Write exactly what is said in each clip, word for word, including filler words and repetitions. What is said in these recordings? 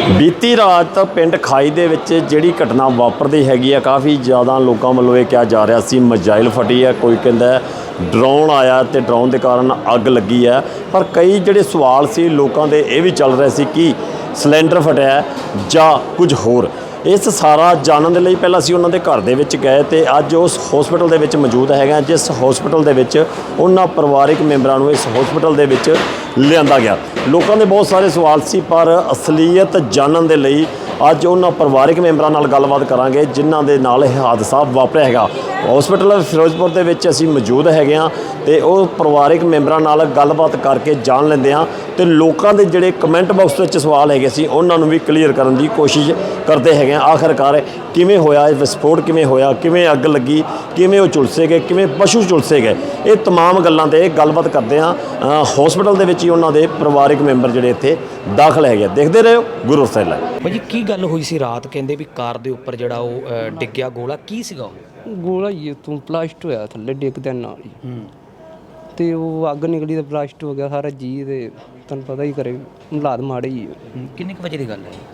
बीती रात पिंड खाई दे विच जिहड़ी घटना वापरदी हैगी आ काफ़ी ज़्यादा लोगों वालों ये कहा जा रहा सी मिसाइल फटी है, कोई कहता है ड्रोन आया तो ड्रोन के कारण अग लगी है। पर कई जिहड़े सवाल सी लोगों के ये भी चल रहे सी कि सिलेंडर फटिया है जां कुछ होर। इस सारा जानने के लिए पहला असीं उन्हां दे घर दे विच गए तो अज उस हॉस्पिटल दे विच मौजूद है, जिस हॉस्पिटल दे विच उन्हां परिवारिक मैंबरां नूं इस हॉस्पिटल दे विच लिआंदा गया। लोगों के बहुत सारे सवाल सी पर असलीयत जानने के लिए अज उन्हां परिवारिक मैंबरां नाल गलबात करांगे जिन्हां दे नाल यह हादसा वापरिया हैगा। हॉस्पिटल फिरोजपुर दे विच असीं मौजूद हैगे आ ते ओह परिवारिक मैंबरां नाल गलबात करके जान लैंदे आ ते लोकां दे जिहड़े कमेंट बॉक्स विच सवाल हैगे सी उन्हां नूं भी क्लीयर करन दी कोशिश करते हैं। आखिरकार किवें होया विस्फोट, किवें होया, किवें अग लगी, किवें वो झुलसे गए, किवें पशु झुलसे गए, ये तमाम गल्लां ते गलबात करते हैं। हॉस्पिटल दे विच ही उन्हां दे परिवारिक मैंबर जिहड़े इत्थे दाखल है। देखते रहो गुरु सैला भाजी की गल हुई सी रात, कहंदे भी कार दे उपर जिहड़ा वो डिग्गिया गोला की सीगा? गोला ही तू ब्लास्ट होया थल्ले डिगदे नाल ही ते वो अग निकली तो ब्लास्ट हो गया सारा जी। ते तुहानूं पता ही करे हालात माड़े ही किन्ने क वजे दी गल है?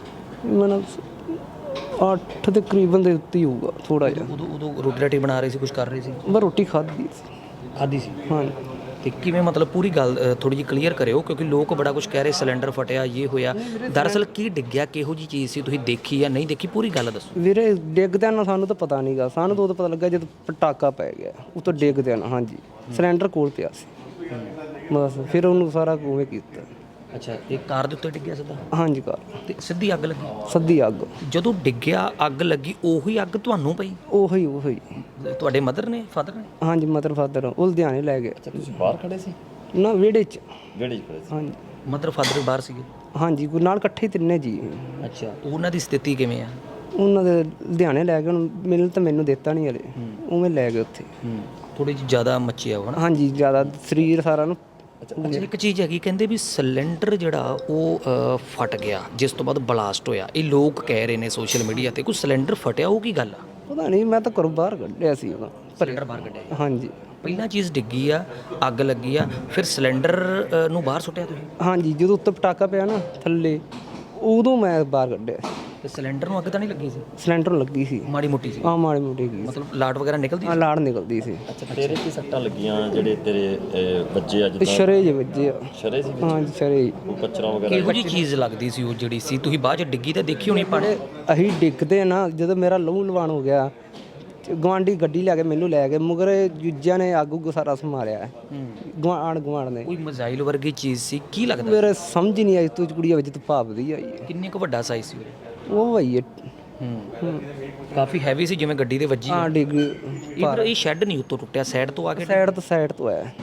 मतलब अठ दे करीबन दे उत्ते ही होਊਗਾ थोड़ा जिहा। उदों उदों रोटी राटी बना रहे सी, कुछ कर रहे सी? मैं रोटी खाधी सी। खाधी सी? हाँ ते किवें, मतलब पूरी गल थोड़ी जी क्लीयर करियो क्योंकि लोग बड़ा कुछ कह रहे सिलेंडर फटिया ये होया। दरअसल की डिग्गिया, किहो जी चीज़ सी, तुसीं देखी या नहीं देखी, पूरी गल दसो। ਵੀਰੇ ਡਿੱਗਦਿਆਂ ਨਾ ਸਾਨੂੰ ਤਾਂ ਪਤਾ ਨਹੀਂਗਾ, ਸਾਨੂੰ ਤਾਂ ਉਦੋਂ ਪਤਾ ਲੱਗਾ ਜਦ ਪਟਾਕਾ ਪੈ ਗਿਆ ਉਤੋਂ ਡਿੱਗਦਿਆਂ ਨਾ। ਹਾਂਜੀ ਸਿਲੰਡਰ ਕੋਲ ਪਿਆ ਸੀ ਬਸ, ਫਿਰ ਉਹਨੂੰ ਸਾਰਾ ਉਵੇਂ ਕੀਤਾ। ਅੱਛਾ, ਇਹ ਕਾਰ ਦੇ ਉੱਤੇ ਡਿੱਗਿਆ ਸਿੱਧਾ? ਹਾਂਜੀ ਕਾਰ ਤੇ ਸਿੱਧੀ ਅੱਗ ਲੱਗੀ? ਸੱਦੀ ਅੱਗ। ਜਦੋਂ ਡਿੱਗਿਆ ਅੱਗ ਲੱਗੀ ਉਹੀ ਅੱਗ ਤੁਹਾਨੂੰ ਪਈ? ਉਹੀ ਉਹੀ ਤੁਹਾਡੇ ਮਦਰ ਨੇ, ਫਾਦਰ ਨੇ? ਹਾਂਜੀ ਮਦਰ ਫਾਦਰ ਉਹ ਲੁਧਿਆਣੇ ਲੈ ਗਏ। अच्छा तुसीं बाहर खड़े सी? ਨਾ ਵਿਹੜੇ 'ਚ। विहड़े च खड़े सी? ਹਾਂਜੀ ਮਦਰ ਫਾਦਰ ਬਾਹਰ ਸੀਗੇ? ਹਾਂਜੀ ਕੋਈ ਨਾਲ ਇਕੱਠੇ ਹੀ ਤਿੰਨੇ ਜੀ। ਅੱਛਾ, ਉਹਨਾਂ ਦੀ ਸਥਿਤੀ ਕਿਵੇਂ ਆ? ਉਹਨਾਂ ਦੇ ਲੁਧਿਆਣੇ ਲੈ ਗਏ, ਹੁਣ ਮਿਲ ਤਾਂ ਮੈਨੂੰ ਦਿੱਤਾ ਨਹੀਂ ਹਲੇ, ਉਵੇਂ ਲੈ ਗਏ ਉੱਥੇ। ਥੋੜੀ ਜਿਹੀ ਜ਼ਿਆਦਾ ਮੱਚਿਆ ਹੋ ਨਾ? ਹਾਂਜੀ ਜ਼ਿਆਦਾ ਸਰੀਰ ਸਾਰਾ ਨੂੰ। ਅੱਛਾ, ਇੱਕ ਚੀਜ਼ ਹੈਗੀ, ਕਹਿੰਦੇ ਵੀ ਸਿਲੰਡਰ ਜਿਹੜਾ ਉਹ ਅ, ਫਟ ਗਿਆ ਜਿਸ ਤੋਂ ਬਾਅਦ ਬਲਾਸਟ ਹੋਇਆ। ਇਹ ਲੋਕ ਕਹਿ ਰਹੇ ਨੇ ਸੋਸ਼ਲ ਮੀਡੀਆ ਤੇ, ਕੋਈ ਸਿਲੰਡਰ ਫਟਿਆ ਉਹ ਕੀ ਗੱਲ ਆ? ਪਤਾ ਨਹੀਂ, ਮੈਂ ਤਾਂ ਘਰੋਂ ਬਾਹਰ ਕੱਢਿਆ ਸੀ ਉਹਦਾ। ਸਿਲੰਡਰ ਬਾਹਰ ਕੱਢਿਆ? ਹਾਂਜੀ ਪਹਿਲਾਂ ਚੀਜ਼ ਡਿੱਗੀ ਆ, ਅੱਗ ਲੱਗੀ ਆ, ਫਿਰ ਸਿਲੰਡਰ ਅ, ਨੂੰ ਬਾਹਰ ਸੁੱਟਿਆ ਤੁਸੀਂ? ਹਾਂਜੀ ਜਦੋਂ ਉੱਤੇ ਪਟਾਕਾ ਪਿਆ ਨਾ ਥੱਲੇ, ਉਦੋਂ ਮੈਂ ਬਾਹਰ ਕੱਢਿਆ ਸੀ। ਤੇ ਸਿਲੰਡਰ ਨੂੰ ਅੱਗ ਤਾਂ ਨਹੀਂ ਲੱਗੀ ਸੀ? ਸਿਲੰਡਰ ਲੱਗੀ ਸੀ ਮਾੜੀ ਮੋਟੀ ਸੀ? ਆ ਮਾੜੀ ਮੋਟੀ ਗਈ, ਮਤਲਬ ਲਾਟ ਵਗੈਰਾ ਨਿਕਲਦੀ ਆ ਸੀ? ਲਾੜ ਨਿਕਲਦੀ ਸੀ। अच्छा तेरे की सट्टां लगियां ਜਿਹੜੇ ਤੇਰੇ ਵੱਜੇ ਅੱਜ ਤੇ ਸ਼ਰੇ ਜਿਹੇ ਵੱਜੇ ਆ। ਸ਼ਰੇ ਸੀ ਵਿੱਚ ਹਾਂਜੀ ਸ਼ਰੇ ਹੀ। ਉਹ ਕਚਰਾ ਵਗੈਰਾ ਕਿਹੋ ਜਿਹੀ ਚੀਜ਼ ਲੱਗਦੀ ਸੀ ਉਹ ਜਿਹੜੀ ਸੀ? ਤੁਸੀਂ ਬਾਅਦ ਚ ਡਿੱਗੀ ਤਾਂ ਦੇਖੀ ਹੋਣੀ ਪਾਣੀ? ਅਸੀਂ ਡਿੱਗਦੇ ਨਾ, ਜਦੋਂ ਮੇਰਾ ਲਹੂ ਲਵਾਨ ਹੋ ਗਿਆ, ਗਵਾਂਢੀ ਗੱਡੀ ਲੈ ਕੇ ਮੈਨੂੰ ਲੈ ਗਏ, ਮਗਰ ਜੁੱਜਿਆਂ ਨੇ ਅੱਗ ਉੱਗ ਸਾਰਾ ਸੰਭਾਲਿਆ ਗਵਾਂਢ ਗਵਾਂਢ ਨੇ। ਕੋਈ ਮਿਜ਼ਾਈਲ ਵਰਗੀ ਚੀਜ਼ ਸੀ, ਕੀ ਲੱਗਦਾ? ਮੇਰੇ ਸਮਝ ਹੀ ਨਹੀਂ ਆਈ, ਤੂੰ ਕੁੜੀਆਂ ਵਿੱਚ ਤੂੰ ਭਾਪਦੀ ਆਈ ਹੈ। ਕਿੰਨੇ ਕੁ ਵੱਡਾ ਸਾਈਜ਼ ਸੀ ਉਹ? ਉਹ ਭਾਈ ਹੂੰ, ਕਾਫੀ ਹੈਵੀ ਸੀ, ਜਿਵੇਂ ਗੱਡੀ ਦੇ ਵੱਜੀ। ਹਾਂ ਡਿੱਗ ਇਹ ਇਹ ਸ਼ੈੱਡ ਨਹੀਂ ਉੱਤੋਂ ਟੁੱਟਿਆ, ਸਾਈਡ ਤੋਂ ਆ ਕੇ? ਸਾਈਡ ਤੋਂ ਸਾਈਡ ਤੋਂ ਆਇਆ,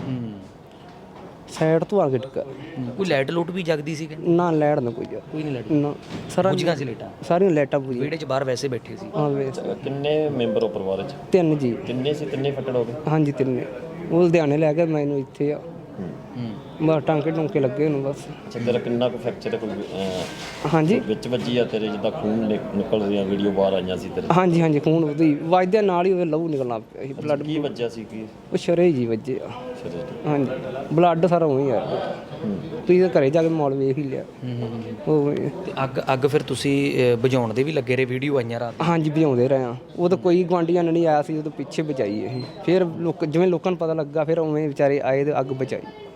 ਸਾਈਡ ਤੋਂ ਆ ਕੇ ਡਿੱਗਾ। ਕੋਈ ਲਾਈਟ ਲੂਟ ਵੀ ਜਗਦੀ ਸੀ ਕਿ ਨਾ ਲੈਟ ਨਾ ਕੋਈ ਜਾ ਕੋਈ ਨਹੀਂ ਲਾਈਟ? ਨਾ ਸਾਰਾ ਬੁਝੀਆਂ ਸੀ ਲਾਈਟਾਂ? ਸਾਰੀਆਂ ਲਾਈਟਾਂ ਬੁਝੀਆਂ। ਵਿਹੜੇ 'ਚ ਬਾਹਰ ਵੈਸੇ ਬੈਠੇ ਸੀ? ਹਾਂ ਵੇ ਕਿੰਨੇ ਮੈਂਬਰ ਹੋ ਪਰਿਵਾਰ ਵਿੱਚ? ਤਿੰਨ ਜੀ। ਕਿੰਨੇ ਸੀ? ਤਿੰਨੇ ਫੱਟੜ ਹੋ ਗਏ? ਹਾਂਜੀ ਤਿੰਨੇ। ਉਹ ਲੁਧਿਆਣੇ ਲੈ ਕੇ ਮੈਨੂੰ ਇੱਥੇ ਆ, ਬਸ ਟਾਂਕੇ ਟੁੰਕੇ ਲੱਗੇ ਉਹਨੂੰ ਬਸ। ਅੱਛਾ ਤੇਰਾ ਕਿੰਨਾ ਕੁ ਫ੍ਰੈਕਚਰ ਹੈ? ਕੋਈ ਅਹ, ਹਾਂਜੀ ਵਿੱਚ ਵੱਜੀ ਆ ਤੇਰੇ ਜਿੱਦਾਂ ਖੂਨ ਨਿਕ- ਨਿਕਲ ਰਹੀਆਂ ਵੀਡੀਓ ਬਾਹਰ ਆਈਆਂ ਸੀ ਤੇਰੇ? ਹਾਂਜੀ ਹਾਂਜੀ ਖੂਨ ਉਹਦੀ ਵੱਜਦੇ ਨਾਲ ਹੀ ਉਹਦੇ ਲਹੂ ਨਿਕਲਣਾ ਪਿਆ ਸੀ, ਬਲੱਡ। ਕੀ ਵੱਜਿਆ ਸੀ? ਕੀ ਉਹ ਸ਼ਰੇ ਜੀ ਵੱਜੇ ਆ। ਸ਼ਰੇ ਹਾਂਜੀ ਬਲੱਡ ਸਾਰਾ ਉਹੀ ਆ। ਤੁਸੀਂ ਤਾਂ ਘਰੇ ਜਾ ਕੇ ਮਾਲ ਵੇਖ ਹੀ ਲਿਆ। ਉਹ ਤੇ ਅੱਗ ਅੱਗ ਫਿਰ ਤੁਸੀਂ ਅ, ਬੁਝਾਉਣ ਦੇ ਵੀ ਲੱਗੇ ਰਹੇ? ਵੀਡੀਓ ਆਈਆਂ ਰਾਤ? ਹਾਂਜੀ ਭਜਾਉਂਦੇ ਰਹੇ ਆ। ਉਹ ਤਾਂ ਕੋਈ ਗੁਆਂਢੀਆਂ ਨੇ ਨਹੀਂ ਆਇਆ ਸੀ, ਉਹ ਤੋਂ ਪਿੱਛੇ ਬਚਾਈ ਅਸੀਂ। ਫਿਰ ਲੋਕ ਜਿਵੇਂ ਲੋਕਾਂ ਨੂੰ ਪਤਾ ਲੱਗਾ ਫਿਰ ਉਵੇਂ ਵਿਚਾਰੇ ਆਏ ਤੇ ਅੱਗ ਬਚਾਈ।